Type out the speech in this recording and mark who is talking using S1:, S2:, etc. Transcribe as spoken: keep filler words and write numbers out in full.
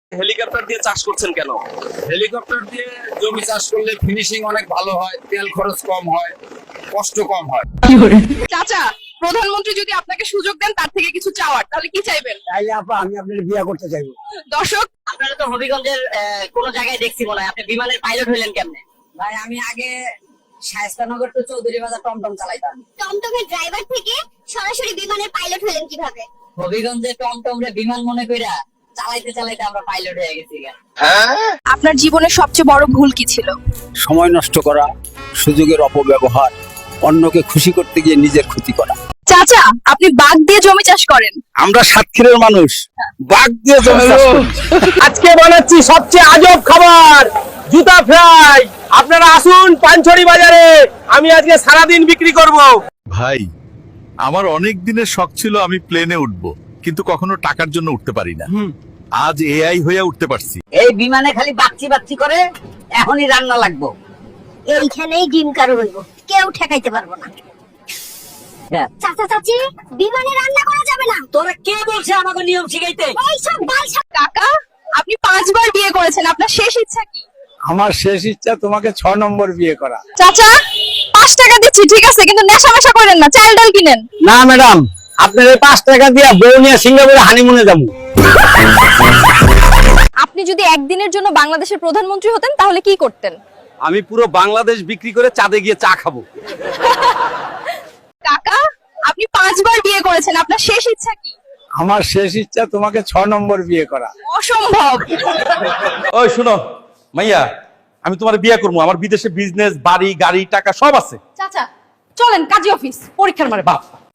S1: Helicopter দিয়ে চাষ করছেন কেন?
S2: হেলিকপ্টার দিয়ে জমি চাষ করলে ফিনিশিং অনেক ভালো হয়, তেল খরচ কম হয়, কষ্ট কম হয়।
S3: চাচা, প্রধানমন্ত্রী যদি আপনাকে সুযোগ দেন তার থেকে কিছু চাওয়ার, তাহলে কি চাইবেন?
S4: তাইলে আপা আমি আপনার বিয়ে করতে চাইবো।
S3: দর্শক,
S5: আপনারা তো হবিগঞ্জের আহ, কোন জায়গায় দেখছি মনে হয়, আপনি বিমানের পাইলট হইলেন কেমনে?
S6: ভাই আমি আগে শায়েস্তানগর টু চৌধুরী বাজার টমটম চালাইতাম।
S7: টমটমের ড্রাইভার থেকে সরাসরি বিমানের পাইলট হলেন কিভাবে?
S6: হবিগঞ্জে টমটম রে বিমান মনে কইরা চালাইতে চালাইতে আমরা পাইলট হয়ে গেছি।
S3: আপনার জীবনের সবচেয়ে বড় ভুল কি ছিল?
S4: সময় নষ্ট করা, সুযোগের অপব্যবহার, অন্যকে খুশি করতে গিয়ে নিজের ক্ষতি করা।
S3: চাচা, আপনি বাঘ দিয়ে জমি চাষ করেন।
S4: আমরা সাতক্ষীরের মানুষ, বাঘ দিয়ে জমি চাষ করি।
S1: আজকে বানাচ্ছি সবচেয়ে আজব খাবার, জুতা ফ্রাই। আপনারা আসুন পানছড়ি বাজারে, আমি আজকে সারাদিন বিক্রি করব।
S8: ভাই, আমার অনেক দিনের শখ ছিল আমি প্লেনে উঠব, কিন্তু কখনো টাকার জন্য উঠতে পারি না। আজ এআই হয়ে উঠতে পারছি।
S6: এই বিমানে খালি বাচ্চি বাচ্চি করে, এখনই রান্না লাগবো।
S7: এইখানেই ডিম কারো হইব, কেউ ঠেকাইতে পারবো না। চাচা চাচি, বিমানে রান্না করা যাবে না।
S6: তোরা কে বলছে আমাকে নিয়ম শিখাইতে?
S7: এইসব বালসা।
S3: কাকা, আপনি পাঁচবার বিয়ে করেছেন, আপনার শেষ ইচ্ছা কি?
S4: আমার শেষ ইচ্ছা তোমাকে ছ নম্বর বিয়ে করা।
S3: চাচা, পাঁচ টাকা দিচ্ছি ঠিক আছে, কিন্তু নেশা মেশা করেন না, চাল ডাল কিনেন।
S4: না ম্যাডাম, আপনার এই পাঁচ টাকা দিয়ে বউ নিয়ে সিঙ্গাপুরে হানিমুনে যাবো।
S3: আপনি যদি একদিনের জন্য বাংলাদেশের প্রধানমন্ত্রী হতেন তাহলে কি করতেন?
S1: আমি পুরো বাংলাদেশ বিক্রি করে চাঁদে গিয়ে চা খাবো।
S3: কাকা, আপনি পাঁচবার বিয়ে করেছেন, আপনার শেষ ইচ্ছা কি?
S4: আমার শেষ ইচ্ছা তোমাকে ছ নম্বর বিয়ে করা।
S3: অসম্ভব।
S1: ওই শুনো মাইয়া, আমি তোমার বিয়ে করবো, আমার বিদেশে বিজনেস, বাড়ি, গাড়ি, টাকা সব আছে।
S3: চাচা, চলেন কাজী অফিস, পরীক্ষার মারে।
S1: বাপ